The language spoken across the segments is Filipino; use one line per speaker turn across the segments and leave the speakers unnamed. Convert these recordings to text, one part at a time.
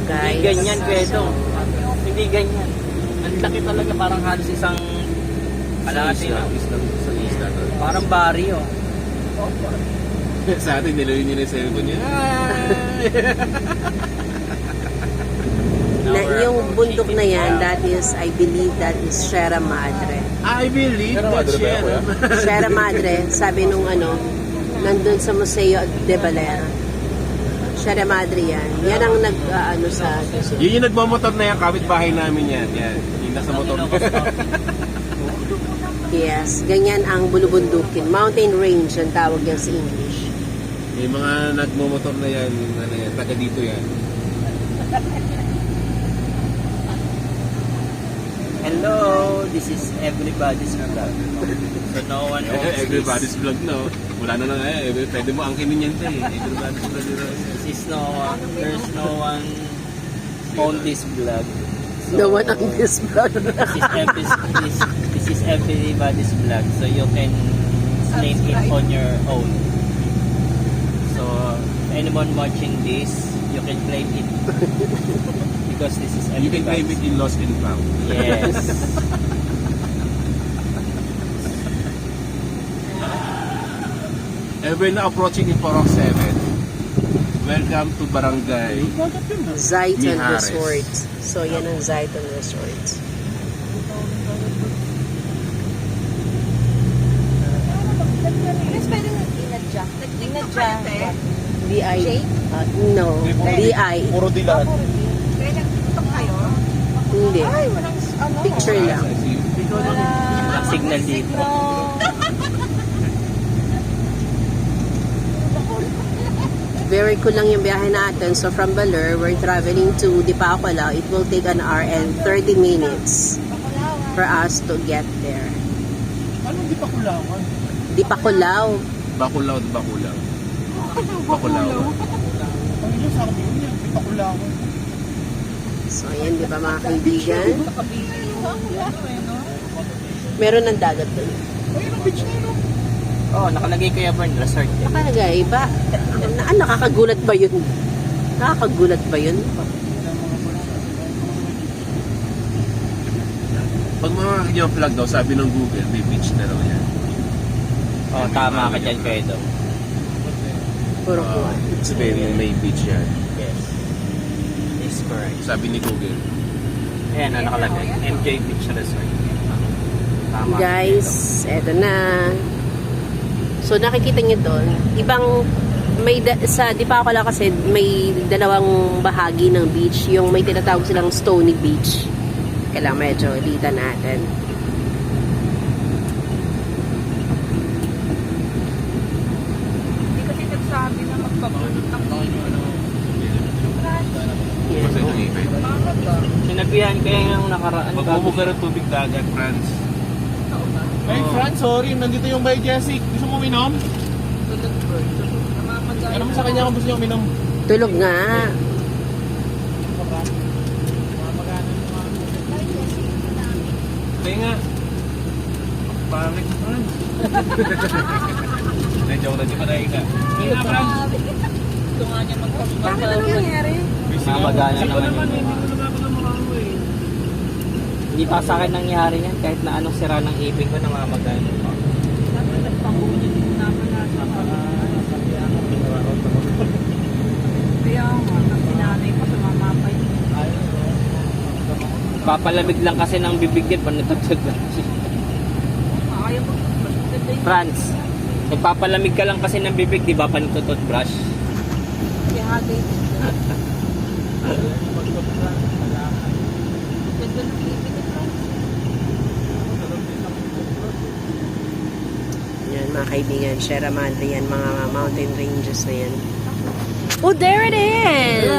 guys.
Hindi ganyan, Kwedo. Hindi ganyan. Ang laki talaga, parang halos isang kalahati na. Parang barrio.
Sa atin, niluyin nyo na yung cellphone niya.
Na, yung bundok na yan, that is, I believe that is Sierra Madre.
I believe that Sierra.
Sierra Madre, sabi nung nandun sa Museo de Valera. Sierra Madre yan. Yan ang sa...
Yun yung nagmamotor na yan, kapit-bahay namin yan. Yan, yung nasa motor.
Yes, ganyan ang bulubundukin. Mountain range ang tawag yan sa English.
Yung mga nagmamotor na yan, taga dito yan.
Hello, this is everybody's vlog. So no one owns
Everybody's vlog na. Wala na lang pwede mo angkinin yan eh. Everybody's vlog.
This is no one, there's no one on this vlog. So,
The one on this vlog.
this is everybody's vlog. So you can name it on your own. So anyone watching this, you can claim it. Because this is
You can claim it in lost and found.
Yes.
We're now approaching Iporok 7. Welcome to Barangay
Zayton
Mijares.
Resort. So, yan ang Zayton Resort.
Mas pwede inadya. Inadya.
DI. No. DI.
Puro dilan.
Kaya nagtutok kayo?
Hindi.
Ay, walang
Picture lang.
Walang signal dito.
Very cool lang yung biyahe natin. So, from Baler, we're traveling to Dipakula. It will take an hour and 30 minutes for us to get there.
Anong di pa kulawan?
Dipakulaw.
Bakulaw. Bakulaw. Ang ilo sa akin yun, di pa kulawan.
So, ayan, di ba mga kaibigan? Meron ng dagat doon.
Ayun ang beach na yun.
Oh, nakalagay kaya Burn Resort.
Nakalagay ba? Nakakagulat ba yun? Nakakagulat ba yun?
Pag makakakita yung flag daw, sabi ng Google, may beach na raw yan.
Oh, tama ka dyan, Kwedo.
Puro kuha.
Sabihin may beach yan.
Yes. Is correct.
Sabi ni Google.
Ayan, nakalagay. MJ Beach Resort. Tama.
Guys, eto na. So, nakikita nyo doon, ibang, sa Dipakula kasi, may dalawang bahagi ng beach. Yung may tinatawag silang Stony Beach. Kailangan medyo ilita natin.
Hindi kasi nagsabi na magpapulot ng
Sinabihan kaya yung nakaraan.
Magmumuga ng tubig dagat, France. Hey, France, sorry. Nandito yung by Jessic. Gusto mo uminom? Ano mo sa kanya kung gusto niyo uminom?
Tulog nga.
Hindi nga. Pangit, France. Joke na, di ba nahin ka? Hindi nga, France.
Bakit ano nangyari?
Mamagana naman yun. Hindi pa sa akin nangyari yan. Kahit na anong sira ng ipin ko, namamagana.
Kaya nga, sinanay pa sa mamapay.
Papalamig lang kasi ng bibigyan pag natagtag lang.
Ayaw mo.
France, nagpapalamig ka lang kasi ng bibig, di ba? Panitututbrush.
Kaya hagay.
Yan, mga kaibigan. Sierra Madre yan, mga mountain ranges na yan. Oh, there it is!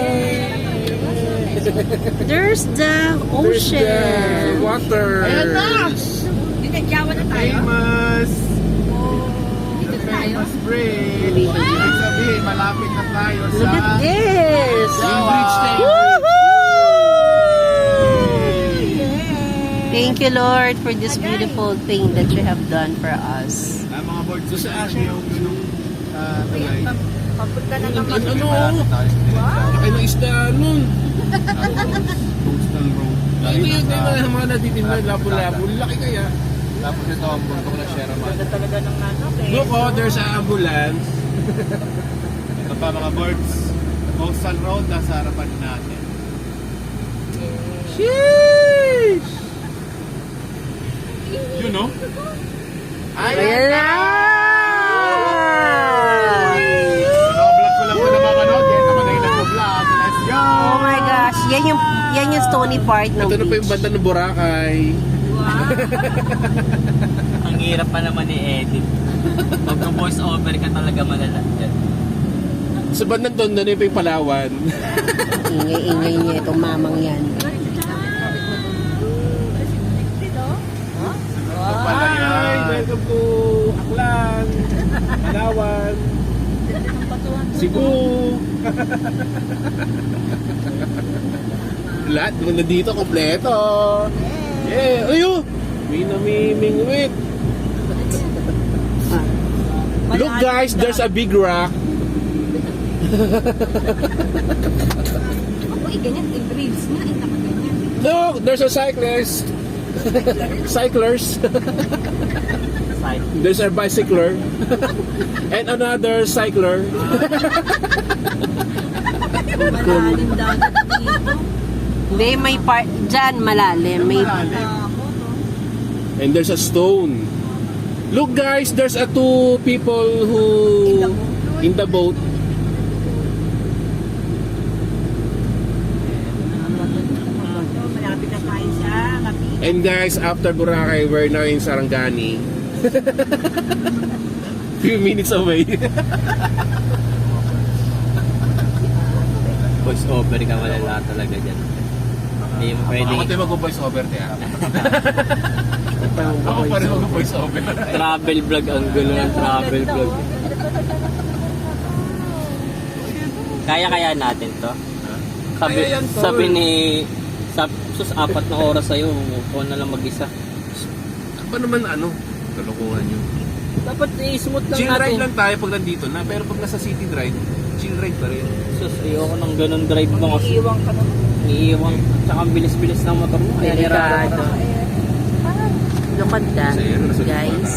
There's the ocean.
Water!
Ayan na! Dinadyawan na tayo.
Famous!
Dito na tayo.
Famous bridge! Ibig sabihin, malapit na tayo sa...
Look at this!
Bridge na yun.
Woohoo! Thank you, Lord, for this beautiful thing that you have done for us.
Mga board ko sa akin yung tulay.
Papunta na naman.
Ano? Laki ng isda nun. Ano yun yung mga natitinda, labo-labo. Laki kaya. Tapos ito ang bundok na Sierra Madre.
Ganda talaga ng nanok eh.
Look, oh, there's an ambulance. Ito pa mga birds. Coastal Road, nasa harapan natin. Sheesh! Yun, no?
Ayan na!
Naka-vlog ko lang po na mapanood. Yan naman ay nag-vlog. Let's go!
Oh my gosh, yan yung stony part ng
Ito na pa yung
beach.
banda ng Boracay.
Ang hirap pa naman i-edit. Pag voice over ka talaga malala dyan.
Sa bandang doon, doon yung Palawan.
Ingay-ingay niya itong mamang yan.
Palay, welcome to Aklan, Palawan, Cebu. Lahat ng nandito, kompleto. Yeah, ayo! May namimingwit. Look guys, there's a big rock.
Ako, ganyan, i-breeds na, nakaganyan.
Look, there's a cyclist. Cyclers.
Side.
There's a bicycler. And another cycler.
Malalim dagat dito.
Hindi, may part, dyan malalim. May,
Ako, no?
And there's a stone. Look guys, there's a two people who in the boat.
Malapit na tayo sa Kapit.
And guys, after Boracay, we're now in Sarangani. Few minutes away.
Voice over ka malala talaga dyan. Hindi mo pwedeng
Ako tayo mag-voice over tayo. Ako pa rin mag-voice over.
travel vlog. Ang gulo ng travel vlog. Kaya natin to.
Kaya yan, tol.
Sabi ni sus 4 na oras sa'yo, huwag na lang mag-isa.
Ba naman ano? Kalukuhan nyo.
Dapat i-smooth lang
Chill
natin.
ride lang tayo pag nandito na. Pero pag nasa city drive, chill ride pa rin.
Sus, ayoko ng ganun drive mo kasi
Iiwang ka naman.
iiwang. Tsaka ang bilis-bilis ng motor mo. Kaya
delikado. Look at that,
Kasi ano, nasa
guys.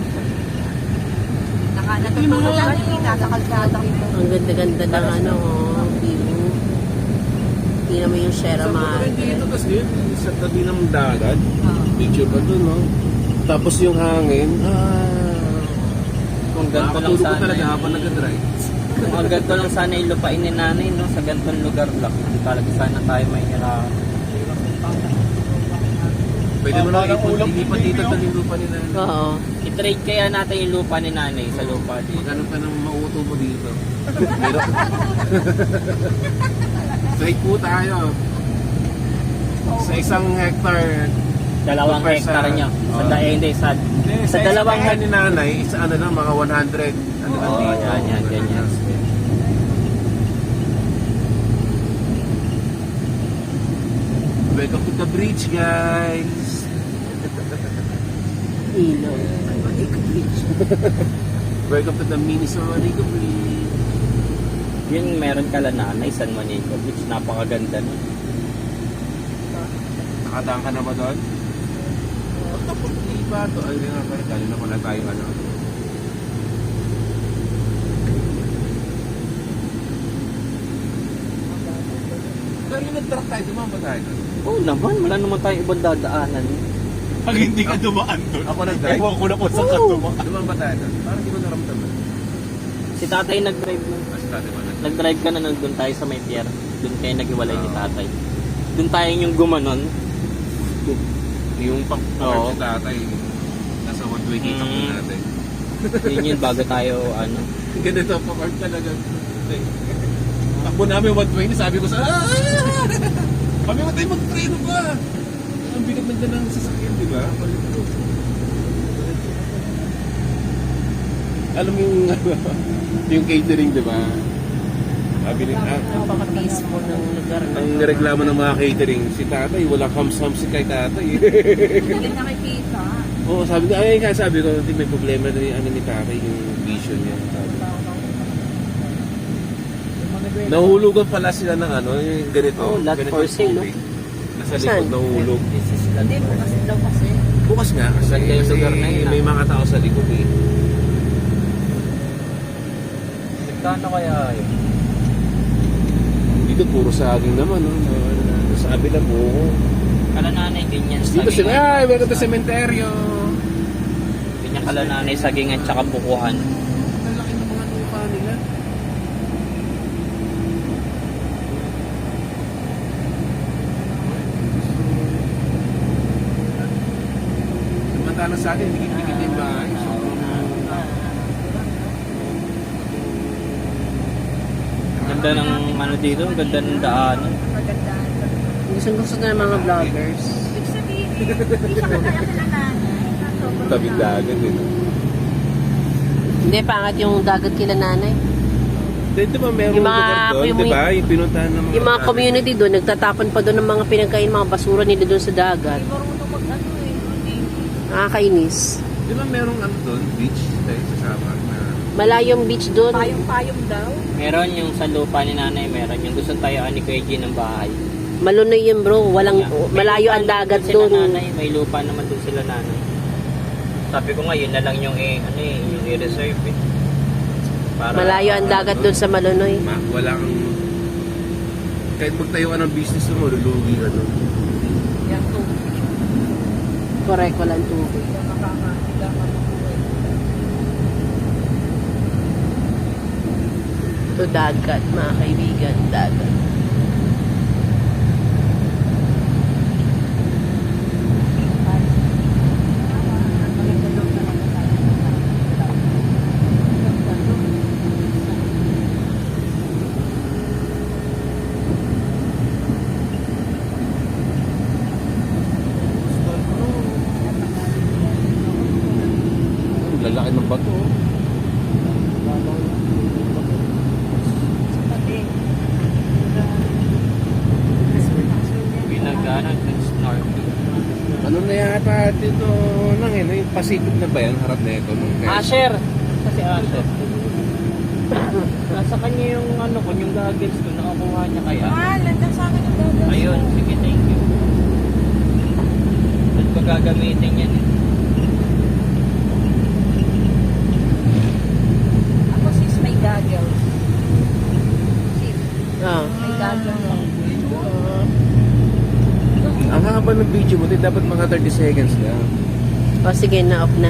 Natutulog lang yung nasa kalsada.
Ang ganda-ganda ng ano, view. Tingnan mo yung Sierra Madre.
Dito kasi sa tabi ng dagat. Picture pa doon, no? Tapos yung hangin.
Kung ganito lang
Nakakatulog ko
sana
talaga
yung,
habang nag-drive.
kung ang ganito lang sana yung lupain ni nanay, no? Sa ganitong lugar lang. Hindi talaga sana tayo may hirap.
Pwede mo lang ilipat dito sa lupa ni nanay.
Oo.
I-trade kaya natin yung lupa ni nanay sa lupa dito.
Magkano ka nang mauto mo dito? Pero, trade po tayo. Sa isang hectare.
2 hektar niya. Hindi, sa dalawang
hectare ni nanay, isa ano lang, mga 100. Ano lang
Oo,
dito.
yan, ganyan.
Welcome to the bridge, guys.
Ilaw.
Welcome to the mini San Juanico Bridge.
Yun, meron kala nanay, San Juanico Beach. Napakaganda nun.
Nakadaan ka na ba doon? Hindi ba ito? Ay, nga pala. Dali na pala tayo ano. Pero yung nag-truck tayo, dumama ba tayo doon?
Oo naman, wala naman tayong ibang dadaanan.
Pag hindi ka dumaan doon. Ako nag-drive. Ewan ko na kung saan ka dumaan. Dumaan ba tayo doon? Parang hindi ko naramdaman.
Si tatay nag-drive nun.
Mas dati ba nag-
Nag-drive ka na nun, doon tayo sa may pier. Doon kayo nag-iwalay ni tatay. Doon tayo yung gumanon.
Yung pang
Oo.
si tatay. Nasa one-way kita po
Mm.
natin.
Yun yun, bago tayo, ano.
Ganito, pa-park talaga. Takbo namin 120, sabi ko sa kami mo tayo mag-treno ba? Ang bigat na dyan ng sasakyan, di ba? Alam mo yung yung catering, di ba? Sabi ni
Napaka-peaceful ng lugar na.
ang reklamo ng mga catering, si tatay, wala hams-hams si kay tatay.
Hindi nakikita.
Oo, sabi ko, ay, kaya sabi ko, hindi may problema na yung ano ni tatay, yung vision niya. Sabi. Nahulugan pala sila ng ano, yung ganito.
Oh, lot
ganito
for sale,
tubig. Nasa
Saan?
likod nahulog.
This is land
Hindi mo
first.
kasi daw kasi.
Bukas nga kasi
Ganda yung lugar na yun,
may mga tao sa likod eh.
Magkano kaya yun?
Dito puro saging naman, no? Sabi na buko.
Kalananay din yan.
Dito sila, ay, welcome to cementerio.
Din yan kalananay, saging at saka bukuhan.
Ang laki ng mga lupa nila. Samantalang sa atin, dikit-dikit na yung bahay. So,
Ganda ng ano dito, ang ganda ng daanan.
Magandaan.
Gusto na ng mga vloggers.
Ibig sabihin, hindi siya kaya sila nanay.
tabi dagat eh.
Hindi, pangat yung dagat kila nanay.
Di ba meron
Yung mga-
lugar doon,
yung-
di ba? Yung pinuntahan ng mga
Yung mga community doon, nagtatapon pa doon ng mga pinagkain, mga basura nila doon sa dagat.
Hindi marunong mag-ano eh. Hindi.
Nakakainis.
Di ba merong ano doon, beach tayo sa Sabang na
Malayong beach doon.
Payong-payong daw.
Meron yung sa lupa ni nanay, meron yung gusto tayo ni Kuya G ng bahay.
Malunoy yun bro, walang,
May
malayo
lupa
ang
naman
dagat
sila
doon.
Nanay, may lupa naman doon sila nanay. Sabi ko nga, yun na lang yung yung i-reserve eh. Para,
Malayo ang dagat doon sa Malunoy.
walang kahit magtayo ka ng business mo, lulugi ka doon.
Yan to.
Correct, walang tubig.
Hindi ka makabuhay.
Ito dagat, mga kaibigan, dagat.
Ang lalaki ng bato. oh.
Pinag-ano, snorkeling.
Ano na yata dito nang yung Pacific na ba yan? Harap na ito.
Asher! Kasi Asher. Nasa kanya yung ano ko, yung goggles ko, nakakuha niya kaya.
Ah, landas sa akin yung gagawin.
Ayun, sige, thank you. Saan ko gagamitin yan eh?
Ako sis may goggles. Sis,
Ah.
may goggles.
Ang haba ng video mo, dapat mga 30 seconds lang.
O sige, na-off na.